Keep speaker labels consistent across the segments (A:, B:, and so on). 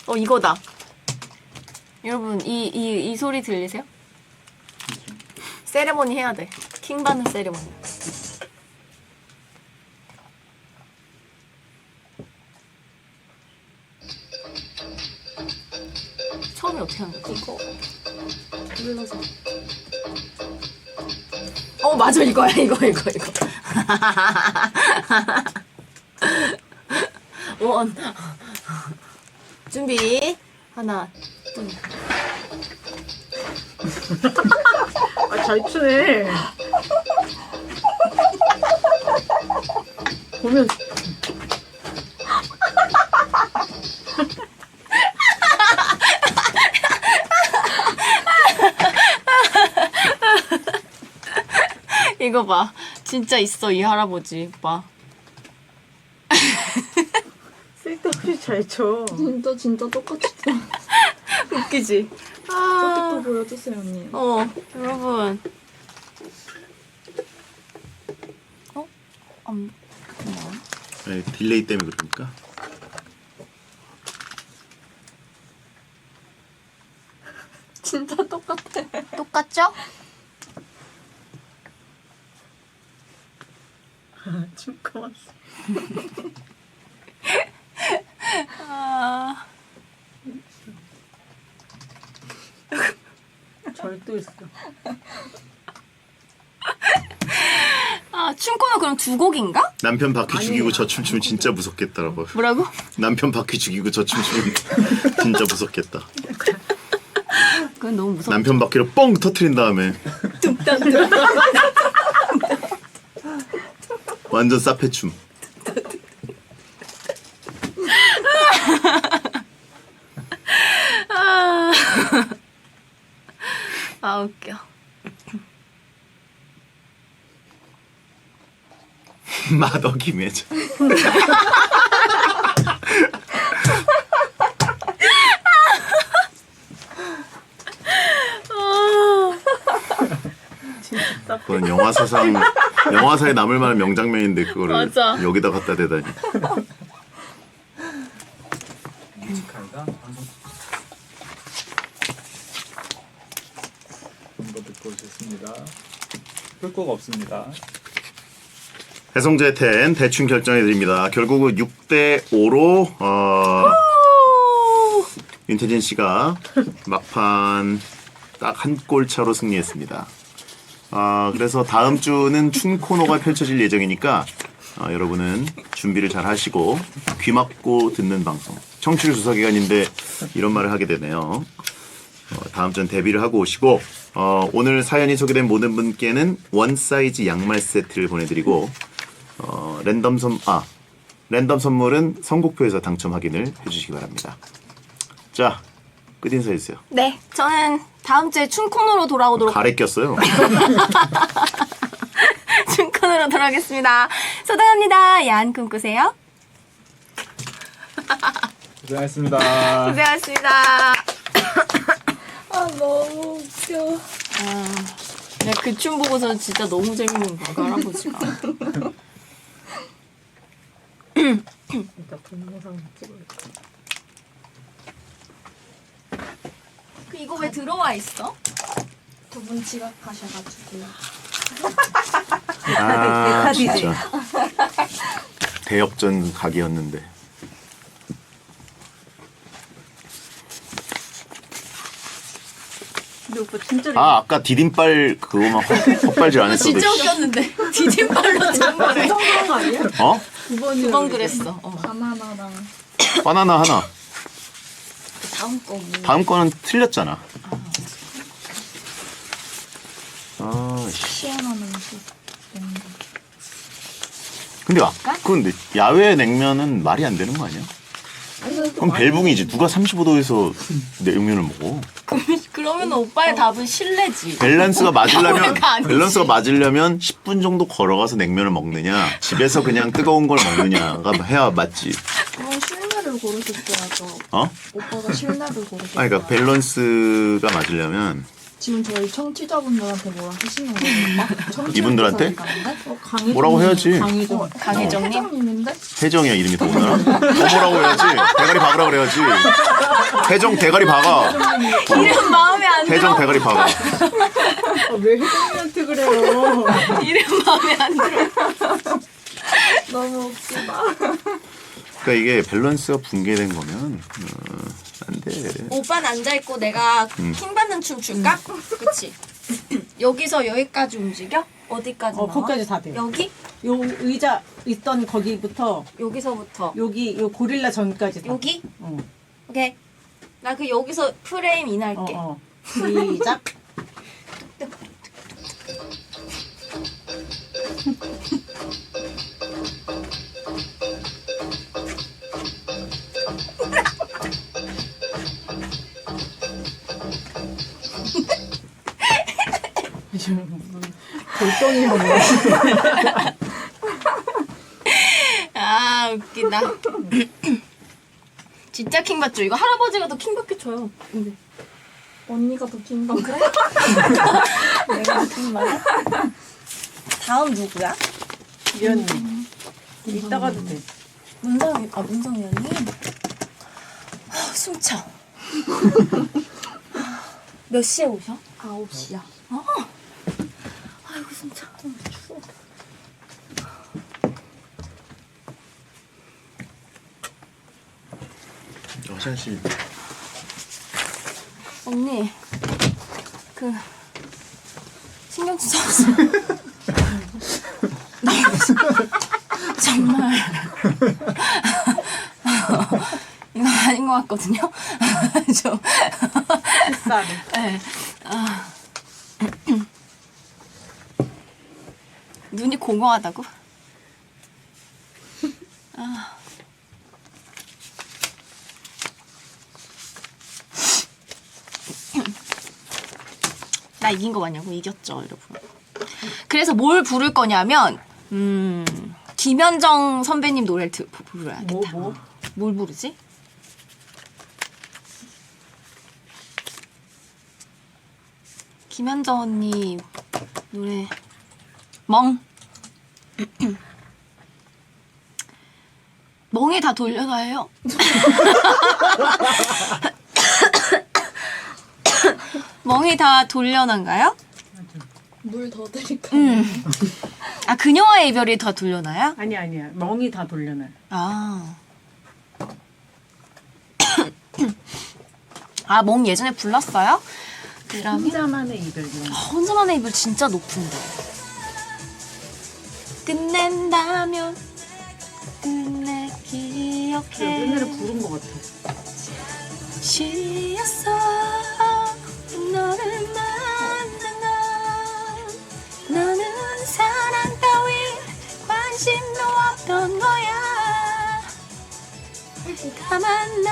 A: 이거다. 여러분 이 소리 들리세요? 세레모니 해야 돼. 킹 받는 세레모니. 처음에 어떻게 하는 거야?
B: 이거 눌러서.
A: 맞아, 이거야, 이거. 원. 준비. 하나, 둘.
B: 잘 추네. 보면
A: 이거 봐. 진짜 있어, 이 할아버지. 봐.
B: 쓸데없이 잘 쳐.
C: 진짜 똑같이
A: 웃기지?
C: 저기 또 보여주세요 언니.
A: 여러분. 뭐야?
D: 네, 딜레이 때문에 그러니까.
C: 진짜 똑같아.
A: 똑같죠?
B: 춤까 왔어. 절도 있어.
A: 춤코너 그럼 두 곡인가?
D: 남편 바퀴 죽이고 저 춤추면 진짜 무섭겠더라고.
A: 뭐라고?
D: 남편 바퀴 죽이고 저 춤추면 진짜 무섭겠다.
A: 그건 너무 무섭다.
D: 남편 바퀴를 뻥 터트린 다음에 완전 사페춤.
A: 웃겨.
D: 마더 김혜자. 그건 영화사에 남을 만한 명장면인데 그거를
A: 맞아.
D: 여기다 갖다 대다니.
E: 뮤지컬과 방송 이거 듣고 오셨습니다. 풀코가 없습니다.
D: 해성제 10 대충 결정해 드립니다. 결국은 6대 5로 윤태진 씨가 막판 딱 한 골 차로 승리했습니다. 그래서 다음 주는 춤 코너가 펼쳐질 예정이니까 여러분은 준비를 잘 하시고 귀 막고 듣는 방송. 청취율 조사 기간인데 이런 말을 하게 되네요. 다음 주는 데뷔를 하고 오시고 오늘 사연이 소개된 모든 분께는 원 사이즈 양말 세트를 보내드리고 랜덤 선물은 선곡표에서 당첨 확인을 해주시기 바랍니다. 자, 끝인사 해주세요.
A: 네, 저는 다음 주에 춤 코너로 돌아오도록.
D: 가래 꼈어요.
A: 춤 코너로 돌아오겠습니다. 소등합니다. 야한 꿈 꾸세요.
E: 고생하셨습니다.
A: 고생하셨습니다.
C: 너무 웃겨.
A: 내가 그 춤 보고서 진짜 너무 재밌는 거야, 그 할아버지가.
B: 일단 동영상 찍어야지.
A: 이거 왜 들어와 있어?
C: 두 분 지각하셔가지고.
D: 진짜 대역전 각이었는데.
B: 근데 오빠 진짜
D: 아까 디딤발 그거만 헛발질 안 했어도.
A: 진짜 웃겼는데. 디딤발로 장난해.
B: 그런 거 아니야?
D: 어?
A: 두 번 그랬어.
C: 바나나랑
D: 바나나 하나.
A: 다음 거 뭐.
D: 다음 거는 틀렸잖아.
C: 시원한 음식.
D: 근데 야외 냉면은 말이 안 되는 거 아니야? 그럼 벨붕이지. 누가 35도에서 냉면을 먹어?
A: 그러면 오빠의 답은 실내지.
D: 밸런스가 맞으려면
A: 야외가 아니지.
D: 10분 정도 걸어가서 냉면을 먹느냐, 집에서 그냥 뜨거운 걸 먹느냐가 해야 맞지.
C: 그럼 실내를 고르셨어야죠.
D: 어?
C: 오빠가 실내를 고르셨어요.
D: 그러니까 밸런스가 맞으려면
C: 지금 저희 청취자분들한테 뭐라 하시는 거예요?
D: 이분들한테?
B: 강혜정
D: 뭐라고 해야지.
B: 강혜정.
A: 강혜정님?
C: 회장님인데?
D: 혜정이야 이름이 더구나. 뭐라고 해야지. 대가리 박으라 그래야지. 혜정 대가리 박아.
A: 이름 마음에 안 들어.
D: 혜정 대가리 박아.
B: 왜 혜정이한테 그래요?
A: 이름 마음에 안 들어.
C: 너무 웃기다.
D: 그러니까 이게 밸런스가 붕괴된 거면 안 돼.
A: 오빠는 앉아있고 내가 킹 받는 춤 출까? 그치? 여기서 여기까지 움직여? 어디까지 나와?
B: 거기까지 다 돼요.
A: 여기?
B: 요 의자 있던 거기부터
A: 여기서부터
B: 여기 요 고릴라 전까지 다.
A: 여기?
B: 어.
A: 오케이. 나 그 여기서 프레임 인할게.
B: 시작. 골동이야 뭐.
A: 아 웃기다. 진짜 킹 받죠? 이거 할아버지가 더 킹 받게 줘요. 근데
C: 언니가 더 긴가?
A: 그래? 내가 킹 받아? 다음 누구야?
B: 위원님. 이따가도 돼.
A: 문성이 언니? 숨차. 몇 시에 오셔?
C: 9시야.
A: 아이고 숨차. 추워.
D: 화장실.
A: 언니 그 신경 쓰지 않았어. 정말 이거 아닌 것 같거든요. 좀
B: 비싸네.
A: 네. 눈이 공허하다고? 나 이긴 거 맞냐고? 이겼죠, 여러분. 그래서 뭘 부를 거냐면 김현정 선배님 노래를 부르야겠다. 뭘 부르지? 김현정 언니 노래 멍. 멍이 다 돌려놔요. 멍이 다 돌려난가요?
C: 물 더 드릴까요?
A: 아 그녀와의 이별이 다 돌려나요?
B: 아니야. 멍이 다 돌려놔.
A: 아. 아, 멍 예전에 불렀어요? 그러면
B: 혼자만의 이별 이런 거.
A: 혼자만의 이별 진짜 높은데. 끝낸다면 끝내 기억해.
B: 옛날에 부른 거 같아.
A: 쉬었어 너를 만난 건 너는 사랑 따윈 관심도 없던 거야. 다만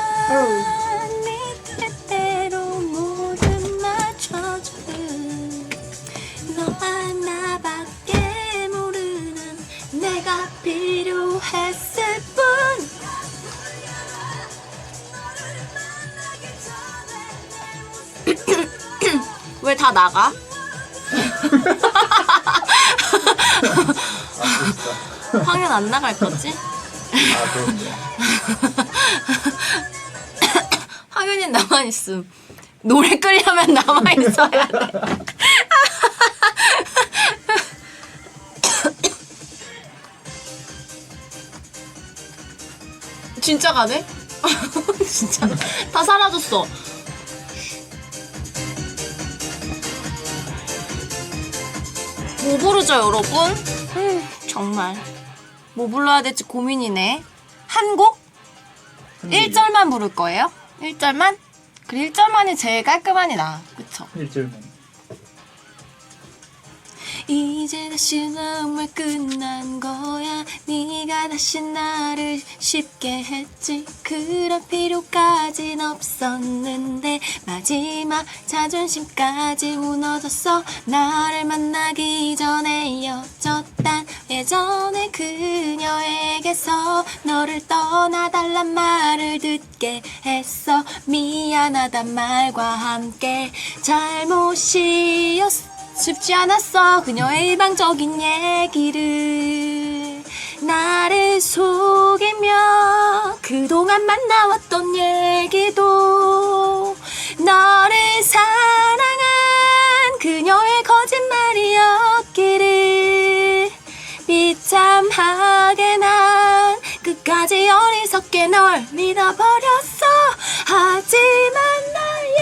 A: 난네 뜻대로 모든 맞춰주는 너와 나밖에 모르는 내가 필요했을 뿐. 왜 다 나가? 황현 안 나갈 거지?
E: 아, 그럼요.
A: 황현이 나만 있음. 노래 끄려면 나만 있어야 돼. 진짜 가네? 진짜 다 사라졌어. 뭐 부르죠, 여러분? 정말 뭐 불러야 될지 고민이네. 한 곡? 1절만 부를 거예요? 1절만? 그래 1절만이 제일 깔끔하니 나. 그쵸?
E: 1절만.
A: 이제 다시 정말 끝난 거야. 네가 다시 나를 쉽게 했지. 그럴 필요까진 없었는데 마지막 자존심까지 무너졌어. 나를 만나기 전에 이어졌단 예전에 그녀에게서 너를 떠나달란 말을 듣게 했어. 미안하단 말과 함께 잘못이었어. 쉽지 않았어 그녀의 일방적인 얘기를 나를 속이며 그동안 만나왔던 얘기도 너를 사랑한 그녀의 거짓말이었기를 비참하게 난 끝까지 어리석게 널 믿어버렸어. 하지만 나의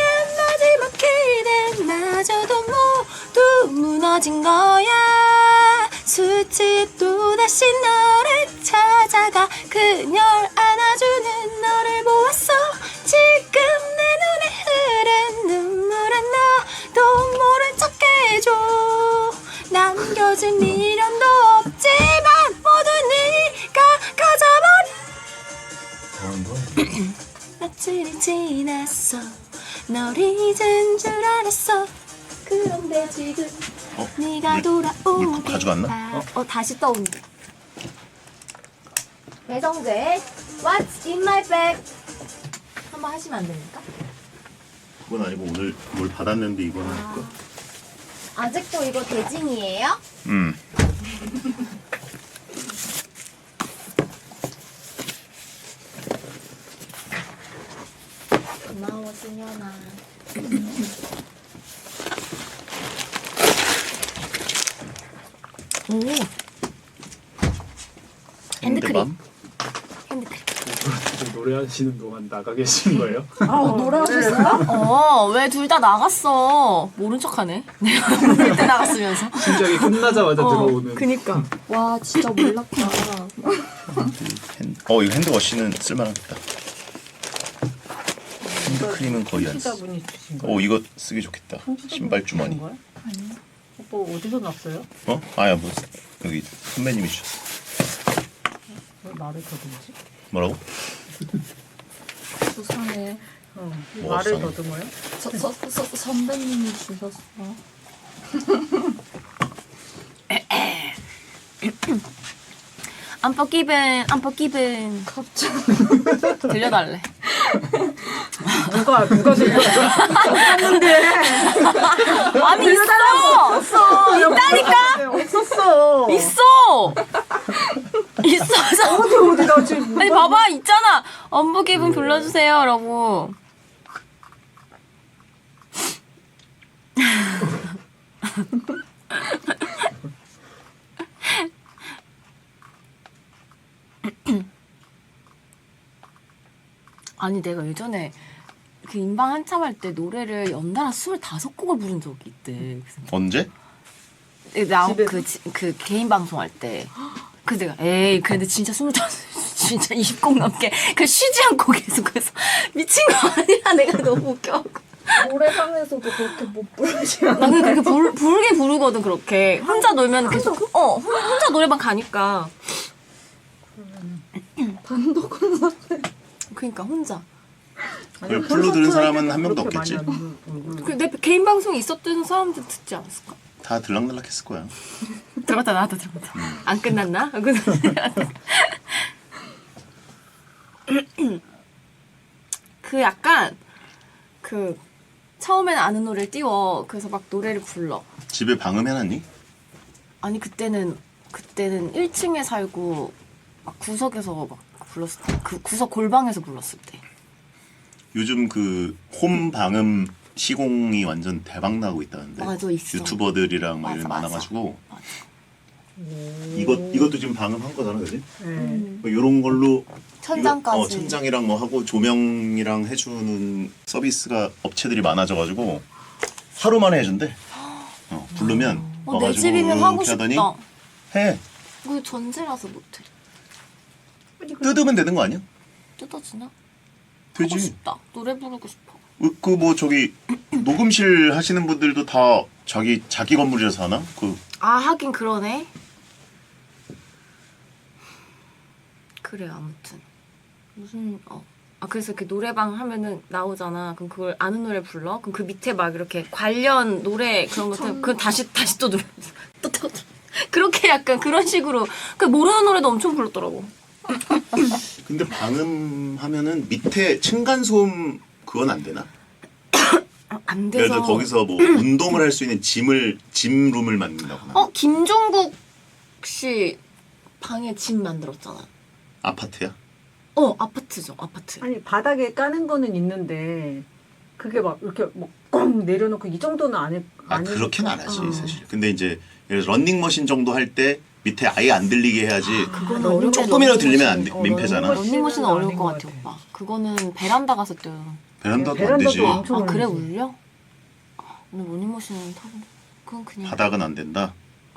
A: 마지막 기대마저도 모두 무너진 거야. 수치 또다시 너를 찾아가 그녀를 안아주는 너를 보았어. 지금 내 눈에 흐른 눈물은 너도 모른 척 해줘. 남겨진 미련도 없지만 모두 네가 가져버린 며칠이 지났어. 널 잊은 줄 알았어. 그런데 지금 네가 돌아오길
D: 물 가져갔나?
A: 다시 떠온다. 배성재 What's in my bag 한번 하시면 안 됩니까?
D: 그건 아니고 오늘 뭘 받았는데 이거는 할까?
A: 아직도 이거 대진이에요? 고마워 승현아. 오 핸드크림. 핸드크림.
E: 지금 노래하시는 동안 나가 계신 거예요?
A: 노래하셨어요? 왜 둘 다 나갔어? 모른 척하네. 내가 모를 때 나갔으면서.
E: 신작이 끝나자마자 들어오는.
A: 그니까. 와 진짜 몰랐다.
D: 이거 핸드워시는 쓸만하겠다. 핸드크림은 거의 안 써.
B: 청취자분이 주신 거예요?
D: 이거 쓰기 좋겠다. 신발 주머니.
B: 거예요? 오빠 어디서 났어요?
D: 아야 뭐 여기 선배님이 주셨어.
B: 왜 말을 더듬지?
D: 뭐라고?
C: 수상해.
D: 뭐가
B: 말을
D: 수상해?
B: 더듬어요?
C: 선배님이 주셨어.
A: 안포기분. 갑자기. 들려달래.
B: 누가 들려요?
A: 아니 있어. 있다니까.
B: 없었어.
A: 있어. 있어서.
B: 어디다 지금?
A: 아니 봐봐 있잖아. 안포기분 불러주세요라고. 아니 내가 예전에 그 인방 한참 할 때 노래를 연달아 25곡을 부른 적이 있대.
D: 언제?
A: 그 개인 방송할 때. 그 내가 에이 근데 진짜 25 진짜 20곡 넘게 그 쉬지 않고 계속해서 미친 거 아니야. 내가 너무 웃겨.
C: 노래방에서도 그렇게 못 부르시면
A: 나는 그렇게 부르게 부르거든. 그렇게 혼자 놀면 계속 혼자 노래방 가니까.
C: 단독 콘서트.
A: 그러니까 혼자.
B: 아니,
D: 풀로 들은 사람은
B: 콘서트
D: 한 명도
B: 그렇게
D: 없겠지?
B: 많이 안 부르고.
A: 그 내 개인 방송이 있었던 사람들 듣지 않았을까?
D: 다 들락날락했을 거야.
A: 들어갔다 나왔다 들어갔다. 안 끝났나? 안 끝났나? 그 약간 그 처음에는 아는 노래를 띄워. 그래서 막 노래를 불러.
D: 집에 방음해놨니?
A: 아니 그때는 1층에 살고 막 구석에서 막 불렀을 때. 그 구석 골방에서 불렀을 때.
D: 요즘 그 홈 방음 시공이 완전 대박 나고 있다는데.
A: 맞아, 있어.
D: 유튜버들이랑 막
A: 맞아,
D: 이런
A: 맞아.
D: 많아가지고.
A: 맞아.
D: 이것도 지금 방음한 거잖아, 그지?
B: 네.
D: 뭐 이런 걸로
A: 천장까지.
D: 이거, 천장이랑 뭐 하고 조명이랑 해주는 서비스가 업체들이 많아져가지고 하루 만에 해준대. 부르면
A: 내
D: 와가지고
A: 집이면 하고
D: 이렇게 하더니
A: 싶다.
D: 해.
A: 이거 전세라서 못해.
D: 뜯으면 되는 거 아니야?
A: 뜯어지나? 하고
D: 되지.
A: 싶다. 노래 부르고 싶어.
D: 그 뭐 저기 녹음실 하시는 분들도 다 자기 건물이라서 하나?
A: 아 하긴 그러네. 그래 아무튼 무슨 그래서 그 노래방 하면은 나오잖아. 그럼 그걸 아는 노래 불러? 그럼 그 밑에 막 이렇게 관련 노래 그런 것들 그 다시 또 노래 또 그렇게 약간 그런 식으로 그 모르는 노래도 엄청 불렀더라고.
D: 근데 방음하면은 밑에 층간소음 그건 안 되나?
A: 안
D: 예를
A: 돼서.
D: 들어 거기서 뭐 운동을 할 수 있는 짐룸을 만든다거나.
A: 김종국 씨 방에 짐 만들었잖아.
D: 아파트야?
A: 아파트죠, 아파트.
B: 아니 바닥에 까는 거는 있는데 그게 막 이렇게 막 내려놓고 이 정도는 안 해.
D: 그렇게는 안 하지 사실. 근데 이제 런닝머신 정도 할 때 밑에 아예 안 들리게 해야지.
A: 그거는 어려워.
D: 조금이라도 들리면 안 돼. 민폐잖아.
A: 런닝머신은 어려울
B: 아닌
A: 것
B: 것
A: 같아,
B: 같아.
A: 오빠. 그거는 베란다 가서 뛰어요.
D: 베란다도 안 되지.
B: 엄청
A: 그래
B: 울리지.
A: 울려? 오늘 런닝머신은 타고 그건 그냥
D: 바닥은 안 된다.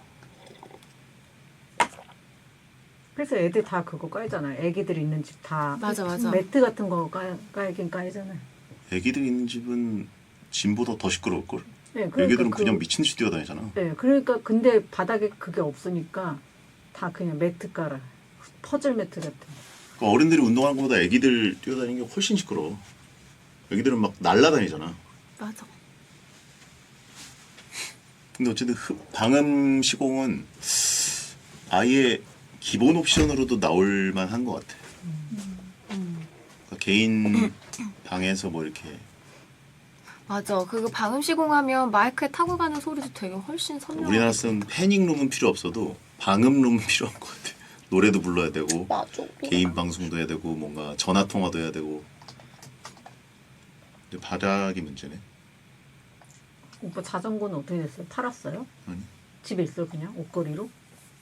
B: 그래서 애들 다 그거 깔잖아. 애기들 있는 집 다
A: 맞아.
B: 매트 같은 거 깔긴 깔잖아.
D: 애기들 있는 집은 짐보다 더 시끄러울 걸.
B: 네, 그러니까
D: 애기들은 그냥 미친 듯이 뛰어다니잖아.
B: 네, 그러니까 근데 바닥에 그게 없으니까 다 그냥 매트 깔아. 퍼즐 매트 같은.
D: 그러니까 어른들이 운동하는 것보다 애기들 뛰어다니는 게 훨씬 시끄러워. 애기들은 막 날아다니잖아.
A: 맞아.
D: 근데 어쨌든 방음 시공은 아예 기본 옵션으로도 나올 만한 것 같아. 그러니까 개인 방에서 뭐 이렇게
A: 맞아. 그거 방음 시공하면 마이크에 타고 가는 소리도 되게 훨씬 선명.
D: 우리나라 쓰는 패닝룸은 필요 없어도 방음룸은 필요한 것 같아. 노래도 불러야 되고
A: 맞아.
D: 개인 방송도 해야 되고 뭔가 전화 통화도 해야 되고. 근데 바닥이 문제네.
B: 오빠 자전거는 어떻게 됐어요? 팔았어요?
D: 아니.
B: 집에 있어 그냥 옷걸이로?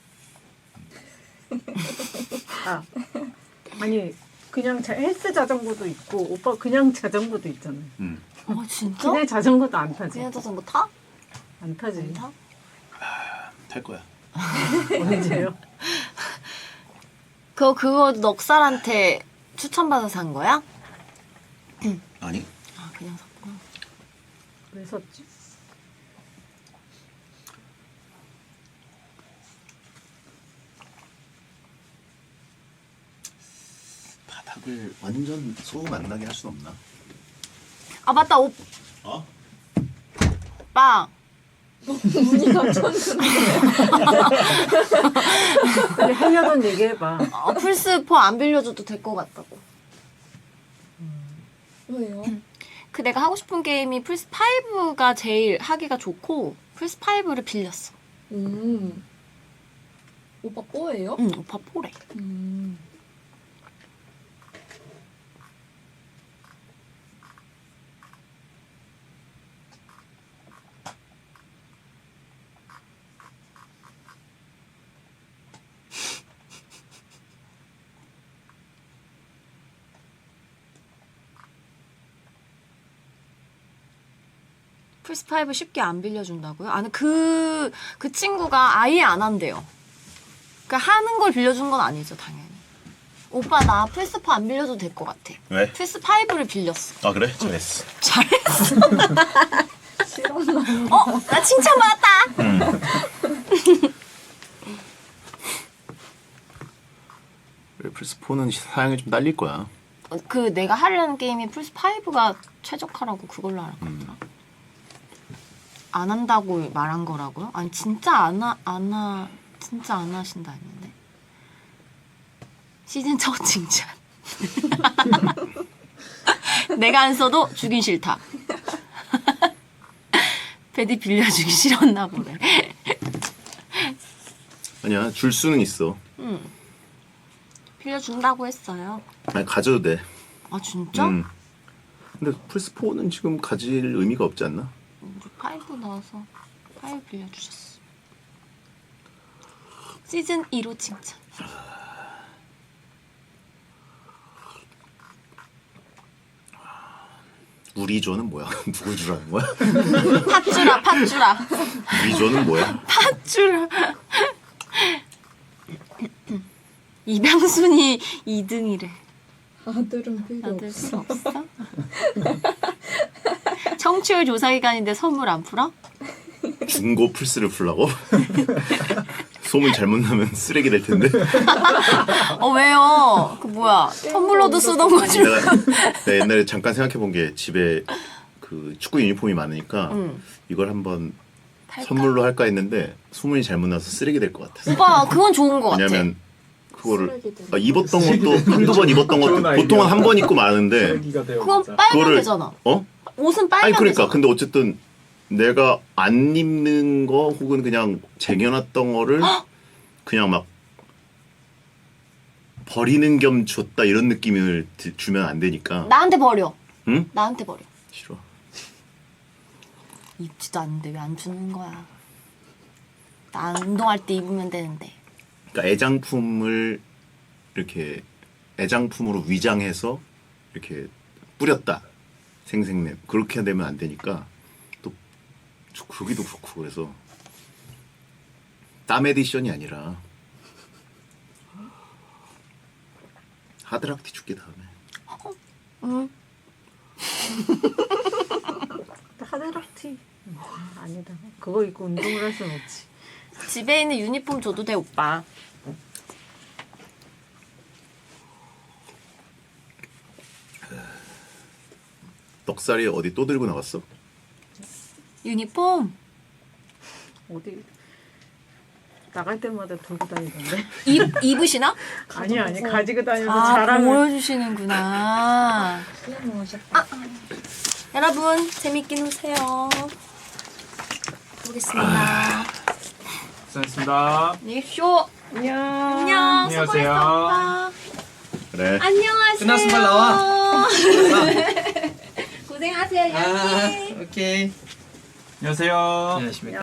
B: 아니 그냥 헬스 자전거도 있고 오빠 그냥 자전거도 있잖아요.
A: 진짜?
B: 그냥 자전거도 안 타지?
A: 그냥 자전거 타?
B: 안 타지.
A: 안 타?
D: 탈 거야.
B: 언제요?
A: 그거 넉살한테 추천받아서 산 거야?
D: 아니?
A: 아 그냥 샀구나.
B: 왜 샀지?
D: 바닥을 완전 소음 안 나게 할 순 없나?
A: 아 맞다 오빠.
C: 문이 갇혔는데.
B: 빨리 하려던 얘기 해봐.
A: 플스4 안 빌려줘도 될 것 같다고.
C: 왜요?
A: 그 내가 하고 싶은 게임이 플스5가 제일 하기가 좋고 플스5를 빌렸어.
C: 오빠 뽀예요?
A: 응 오빠 포래. 플스5 쉽게 안 빌려준다고요? 아니 그 친구가 아예 안 한대요. 그러니까 하는 걸 빌려준 건 아니죠 당연히. 오빠 나 플스4 안 빌려줘도 될 것 같아.
D: 왜?
A: 플스5를 빌렸어.
D: 아 그래? 잘했어.
A: 잘했어. 나 칭찬받았다.
D: 플스4는 사양이 좀 딸릴 거야.
A: 그 내가 하려는 게임이 플스5가 최적화라고 그걸로 알았거든. 안 한다고 말한 거라고요? 아니 진짜 안 하신다 했는데. 시즌 첫 칭찬. 내가 안 써도 주긴 싫다. 베디 빌려주기 싫었나 보네.
D: 아니야 줄 수는 있어.
A: 빌려준다고 했어요.
D: 아니 가져도 돼.
A: 아 진짜?
D: 근데 플스4는 지금 가질 의미가 없지 않나?
A: 우리 5 나와서 5 빌려주셨어. 시즌 2로 칭찬.
D: 우리 조는 뭐야? 누굴 주라는 거야?
A: 팥주라.
D: 우리 조는 뭐야?
A: 팥주라. 이병순이 2등이래.
C: 아들은 필요
A: 받을
C: 없어.
A: 수 없어? 청취율 조사 기간인데 선물 안 풀어?
D: 중고 플스를 풀라고? 소문 잘못 나면 쓰레기 될 텐데.
A: 왜요? 그 뭐야? 텀블러도 쓰던 거지.
D: 내가 옛날에 잠깐 생각해 본 게 집에 그 축구 유니폼이 많으니까 이걸 한번
A: 팔까?
D: 선물로 할까 했는데 소문이 잘못 나서 쓰레기 될 것 같았어.
A: 오빠 그건 좋은 거 같아.
D: 왜냐면 그거를
C: 쓰레기들.
D: 입었던 것도 한두 번 입었던
E: 좋은
D: 것도
E: 아이디어.
D: 보통은 한 번 입고 마는데
E: 쓰레기가 되어
A: 그건
E: 진짜.
A: 빨면
D: 그거를
A: 되잖아.
D: 어?
A: 옷은 빨면
D: 아니 그러니까
A: 되잖아.
D: 근데 어쨌든 내가 안 입는 거 혹은 그냥 쟁여놨던 거를 그냥 막 버리는 겸 줬다 이런 느낌을 주면 안 되니까.
A: 나한테 버려.
D: 응?
A: 나한테 버려.
D: 싫어.
A: 입지도 않는데 왜 안 주는 거야? 나 운동할 때 입으면 되는데.
D: 그러니까 애장품을 이렇게 애장품으로 위장해서 이렇게 뿌렸다. 생생내 그렇게 되면 안 되니까 또 그러기도 그렇고 그래서 땀 에디션이 아니라 하드락티 줄게 다음에.
A: 응.
B: 하드락티 아니다. 그거 입고 운동을 할 수는 없지.
A: 집에 있는 유니폼 줘도 돼 오빠.
D: 넉살이 어디 또 들고 나갔어?
A: 유니폼
B: 어디 나갈 때마다 들고 다니던데.
A: 입으시나?
B: 아니 가지고 다니면서
A: 아
B: 자랑을.
A: 보여주시는구나.
C: 수영하셨다.
A: 여러분 재밌게 노세요. 보겠습니다.
E: 수고하셨습니다.
A: 네 쇼.
B: 안녕.
A: 안녕.
E: 안녕하세요.
A: 수고했어, 오빠.
D: 그래.
A: 안녕하세요.
F: 끝났으면 빨리 나와.
A: 고생하세요.
F: 아, 오케이.
E: 안녕하세요.
F: 안녕하십니까.